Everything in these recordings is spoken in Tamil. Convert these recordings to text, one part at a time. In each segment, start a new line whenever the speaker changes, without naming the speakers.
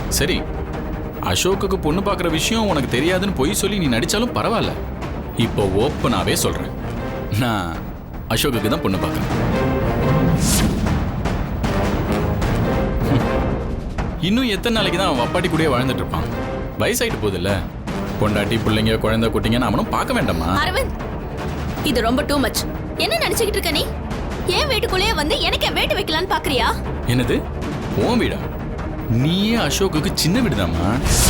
சரி, அசோக்குக்கு பொண்ணு பார்க்குற விஷயம் உனக்கு தெரியாதுன்னு பொய் சொல்லி நீ நடிச்சாலும் பரவாயில்ல. இப்போ ஓப்பனாவே சொல்றேன், நான் அசோக்குக்கு தான் பொண்ணு பார்க்குறேன். இன்னும் எத்தனை நாளைக்கு தான் அவன் அப்பாட்டி கூடயே வாழ்ந்துட்டு இருப்பான்? வயசாயிட்டு போகுதுல்ல, பொண்டாட்டி பிள்ளைங்க குழந்தை குட்டிங்கன்னு அவனும் பார்க்க வேண்டாமா?
அரவிந்த், இது ரொம்ப டூ மச். என்ன நினைச்சுக்கிட்டு இருக்க நீ? ஏன் வீட்டுக்குள்ளேயே வந்து எனக்கு வேட்டு வைக்கலான்னு பாக்குறியா?
என்னது உன் வீடா? நீயே அசோக்குக்கு சின்ன வீடுதாம்மா.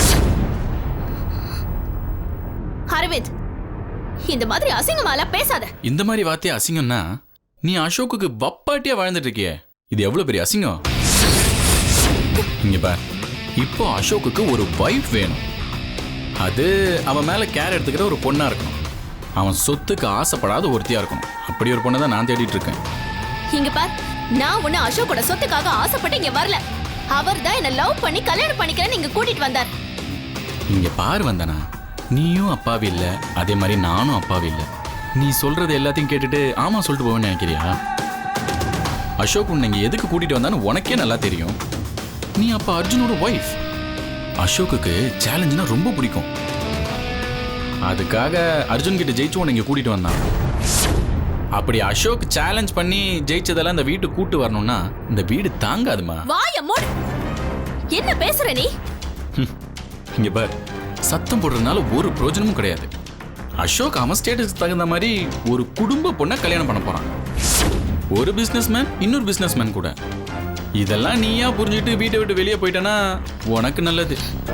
அரவிந்த், இந்த மாதிரி அசிங்கமால பேசாத.
இந்த மாதிரி வார்த்தையா அசிங்கம்னா நீ அசோக்குக்கு வப்பாட்டியா வாழ்ந்துட்டு இருக்கியே, இது எவ்வளவு பெரிய அசிங்கம். இங்க பார், இப்போ அசோக்குக்கு ஒரு வைஃப் வேணும். அது அவன் மேல கேர் எடுத்துக்கிற ஒரு பொண்ணா இருக்கணும். அவன் சொத்துக்கு ஆசைப்படாத ஒருத்தியா இருக்கணும். அப்படி ஒரு பொண்ணை தான் நான் தேடிட்டு இருக்கேன்.
இங்க பார், நான் உன்ன அசோக்கோட சொத்துக்காக ஆசைப்பட்டு இங்க வரல. அவர் தான் என்ன லவ் பண்ணி கல்யாணம் பண்ணிக்கிறேன்னு இங்க கூட்டிட்டு வந்தார்.
இங்க பாரு வந்தனா, நீயும் அப்பாவி இல்ல, அதே மாதிரி நானும் அப்பாவி இல்ல. நீ சொல்றது எல்லாத்தையும் கேட்டுட்டு ஆமா சொல்லிட்டு போவேன்னு நினைக்கிறியா? அசோக் உன்னை இங்க எதுக்கு கூட்டிட்டு வந்தான்னு உனக்கே நல்லா தெரியும். நீ அப்ப அர்ஜுனோட ஒய்ஃப். அசோக்குக்கு சேலஞ்சுனா ரொம்ப பிடிக்கும். அதுக்காக அர்ஜுன் கிட்ட ஜெயிச்சு உன்னை இங்க கூட்டிட்டு வந்தான். அப்படி அசோக் சேலஞ்ச் பண்ணி ஜெயிச்சதெல்லாம் இந்த வீட்டு கூட்டு வரணும்னா இந்த வீடு தாங்காதுமா.
வாய மூடு. என்ன பேசுற நீ?
இங்க பார், சத்தம் போடுறதுனால ஒரு பிரயோஜனமும் கிடையாது. அசோக் அவன் ஸ்டேட்டஸ்க்கு தகுந்த மாதிரி ஒரு குடும்ப பொண்ணை கல்யாணம் பண்ண போறான். ஒரு பிசினஸ்மேன் இன்னொரு பிசினஸ்மேன் கூட. இதெல்லாம் நீயா புரிஞ்சுட்டு வீட்டை விட்டு வெளியே போயிட்டனா உனக்கு நல்லது.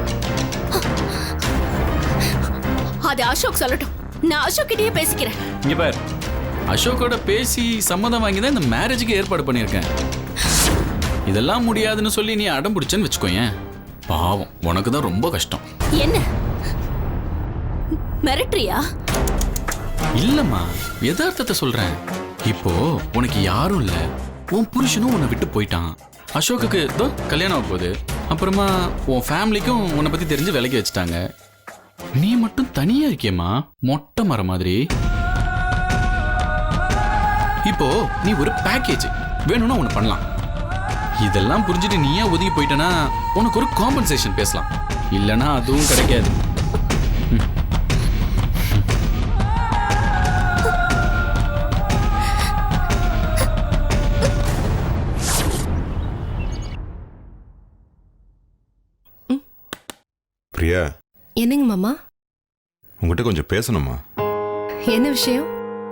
அது அசோக் சொல்லட்டும், நான் அசோக் கிட்டயே பேசிக்கிறேன்.
இங்க பார், அசோக்கோட பேசி சம்மதம் வாங்கி தான் இந்த மேரேஜுக்கு ஏற்பாடு பண்ணியிருக்கேன். இதெல்லாம் முடியாதுன்னு சொல்லி நீ அடம் பிடிச்சேன்னு வச்சுக்கோயேன், பாவம் உனக்கு தான் ரொம்ப கஷ்டம்.
என்ன மிரட்டுறியா?
இல்லம்மா, யதார்த்தத்தை சொல்றேன். இப்போ உனக்கு யாரும் இல்ல, உன் புருஷனும் உன்னை விட்டு போயிட்டான். அசோக்குக்கு இதோ கல்யாணம் ஆக போகுது. அப்புறமா உன் ஃபேமிலிக்கும் உன்னை பத்தி தெரிஞ்சு விலகி வச்சுட்டாங்க. நீ மட்டும் தனியா இருக்கியம்மா, மொட்டை மரம் மாதிரி. இப்போ நீ ஒரு பேக்கேஜ் வேணும்னா ஒன்று பண்ணலாம். இதெல்லாம் புரிஞ்சுட்டு நீயா ஒதுங்கி போயிட்டனா உனக்கு ஒரு காம்பன்சேஷன் பேசலாம். இல்லைன்னா அதுவும் கிடைக்காது.
பிரியா,
என்னங்க மாமா?
உங்ககிட்ட கொஞ்சம் பேசணுமா?
என்ன விஷயம்?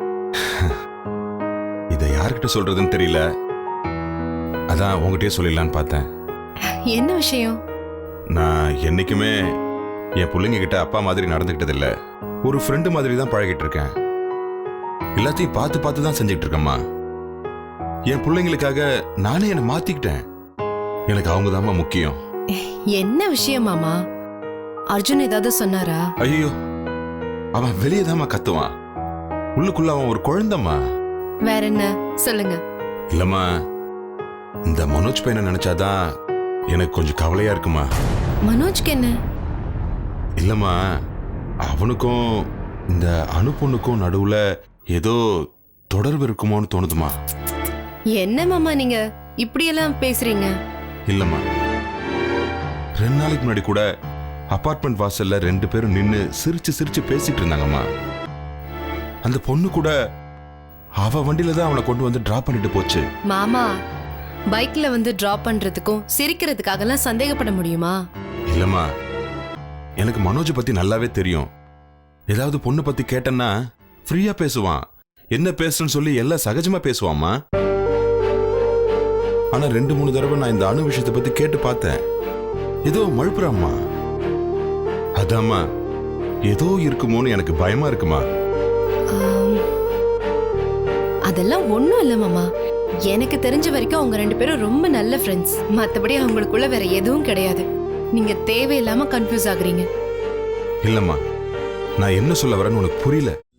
இதை யார்கிட்ட சொல்றதுன்னு தெரியல, அதான் உங்ககிட்டயே சொல்லிடலான்னு பார்த்தேன்.
என்ன விஷயம்?
நான் என்னைக்குமே என் பிள்ளைங்க கிட்ட அப்பா மாதிரி நடந்துக்கிட்டது இல்ல. ஒரு ஃப்ரெண்டு மாதிரி தான் பழகிட்டு இருக்கேன். எல்லாத்தையும் பார்த்து பார்த்து தான் செஞ்சுட்டு இருக்கேம்மா. என் பிள்ளைங்களுக்காக நானே என்னை மாத்திக்கிட்டேன். எனக்கு அவங்க தாம்மா முக்கியம்.
என்ன விஷயம் மாமா? அர்ஜுன் ஏதாவது சொன்னாரா?
ஐயோ, அவன் வெளியே தாம்மா கத்துவான். உள்ளுக்குள்ள அவன் ஒரு குழந்தைம்மா.
வேற என்ன சொல்லுங்க.
இல்லம்மா, இந்த மனோஜ் பையனை நினைச்சாதான் எனக்கு கொஞ்சம் கவலையா இருக்குமா.
மனோஜ்க்கு என்ன?
இல்லம்மா, அவனுக்கும் இந்த அணு பொண்ணுக்கும் நடுவுல ஏதோ தொடர்பு இருக்குமோன்னு தோணுதுமா.
என்ன மாமா நீங்க இப்படியெல்லாம் பேசுறீங்க?
இல்லம்மா, 2 நாளைக்கு முன்னாடி கூட அபார்ட்மெண்ட் வாசல்ல 2 பேரும் நின்னு சிரிச்சு சிரிச்சு பேசிட்டு இருந்தாங்கம்மா. அந்த பொண்ணு கூட அவ வண்டியில தான் அவனை கொண்டு வந்து டிராப் பண்ணிட்டு போச்சு.
மாமா, பைக்ல வந்து டிராப் பண்றதுக்கும் சிரிக்கிறதுக்காகலாம் சந்தேகப்பட முடியுமா?
இல்லம்மா, எனக்கு மனோஜ் பத்தி நல்லாவே தெரியும். ஏதாவது பொண்ணு பத்தி கேட்டேன்னா ஃப்ரீயா பேசுவான். என்ன பேசுன்னு சொல்லி எல்லாம் சகஜமா பேசுவாம்மா. ஆனா 2-3 தடவை நான் இந்த அணு விஷயத்தை பத்தி கேட்டு பார்த்தேன். ஏதோ மழுப்புறாம்மா. அதாம்மா, ஏதோ இருக்குமோன்னு எனக்கு பயமா இருக்குமா.
அதெல்லாம் ஒண்ணும் இல்ல மாமா. எனக்கு தெரிஞ்ச வரைக்கும் அவங்க 2 பேரும் ரொம்ப நல்ல ஃப்ரெண்ட்ஸ். மத்தபடி அவங்களுக்குள்ள வேற எதுவும் கிடையாது. நீங்க தேவையில்லாம கன்ஃபியூஸ் ஆகுறீங்க.
இல்லம்மா, நான் என்ன சொல்ல வரேன்னு உனக்கு புரியல.